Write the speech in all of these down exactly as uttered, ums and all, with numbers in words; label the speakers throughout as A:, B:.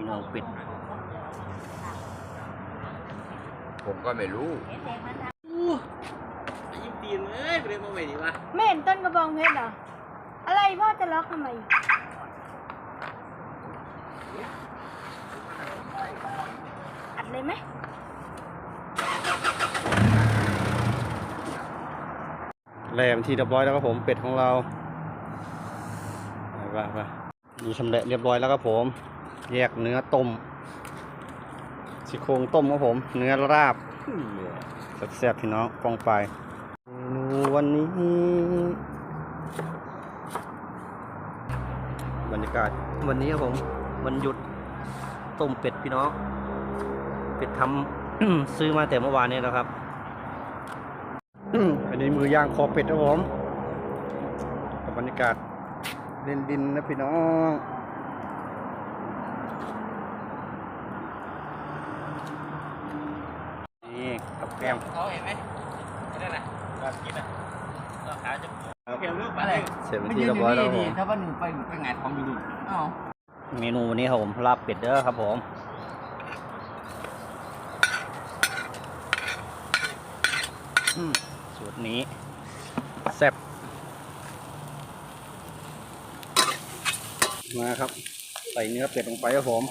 A: น่องเป็ด
B: ผมก็ไม่รู้
C: ยิ้มตีนเอ้ยไปเรียนมาใหม่ดีวะ
D: ไม่เห็นต้นกระบองเพชรเหรออะไรพ่อจะล็อกทำไมอัดเลยไหม
A: แหลมที่เรียบร้อยแล้วครับผมเป็ดของเราไปไปนี่ชำแหละเรียบร้อยแล้วครับผมแยกเนื้อต้มซี่โครงต้มครับผมเนื้อราบแซ่บๆพี่น้องฟองไปเมนูวันนี้บรรยากาศวันนี้ครับผมวันหยุดต้มเป็ดพี่น้องเป็ดทำ ซื้อมาแต่เมื่อวานนี้แล้วครับอันนี้มือย่างคอเป็ดครับผมกับบรรยากาศเล่นดินนะพี่น้องนี่กับแก้ม
C: เขาเห็นไหมนั่นน่ะแบบกินอ่ะเราขาจะเขียวรูปอะไร
A: เสร็จเป็นที่เรียบร้อยแล้วผม
C: ถ้าว่าหนึ่งไปไปงานท้องอยู่ดูอ๋อ
A: เมนูวันนี้ครับผมลาบเป็ดเด้อครับผมสูตรนี้แซ่บมาครับใส่เนื้อเป็ดลงไปครับผม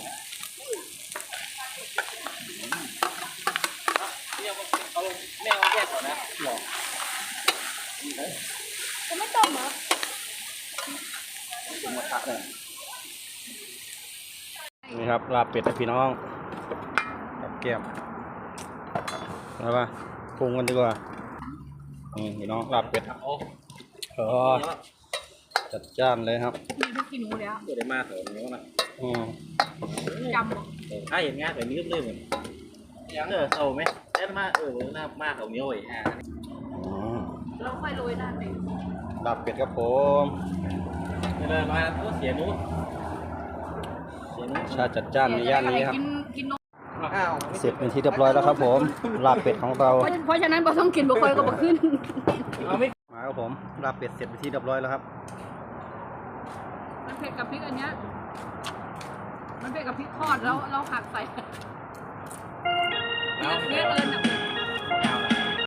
C: เอาลงไม่เอาแยกก่อนนะหรอ
D: จะไม่ต้มเหรอ
A: นี่ครับลาบเป็ดนะพี่น้องกับแก้มแล้วป่ะปรุงกันดีกว่านี่พี่น้องลาบเป็ด
C: โอ้
A: เออจัดจ้านเลยครับ
D: มีทุกกินหนูแล้ว
C: เดี๋ยวได้มาเถอะนี้นะ
A: อืม
D: จำหรอ
C: ถ้าเห็นงานแบบนี้ก็เลยเหมือนยังเออโซ่ไหมได้มาเออหน้ามาเขาเนี้ยไอ้ห่า
D: เราค่อยโรยหน้าเป็ด
A: ลาบเป็ดครับผม
C: เลยมาตัวเสียนู้เสียนู้
A: ชาจัดจ้านในย่านนี้ครับ
D: กินกินนม
A: เสร็จเป็นที่เรียบร้อยแล้วครับผมลาบเป็ดของเรา
D: เพราะฉะนั้นเราต้องกินบุคคลก็บุขึ้น
A: มาครับผมลาบเป็ดเสร็จเป็นที่เรียบร้อยแล้วครับ
D: มันเผ็ดกับพริกอันเนี้ยมันเผ็ดกับพริกทอดแล้วเราหักใส่เผ็ดเลย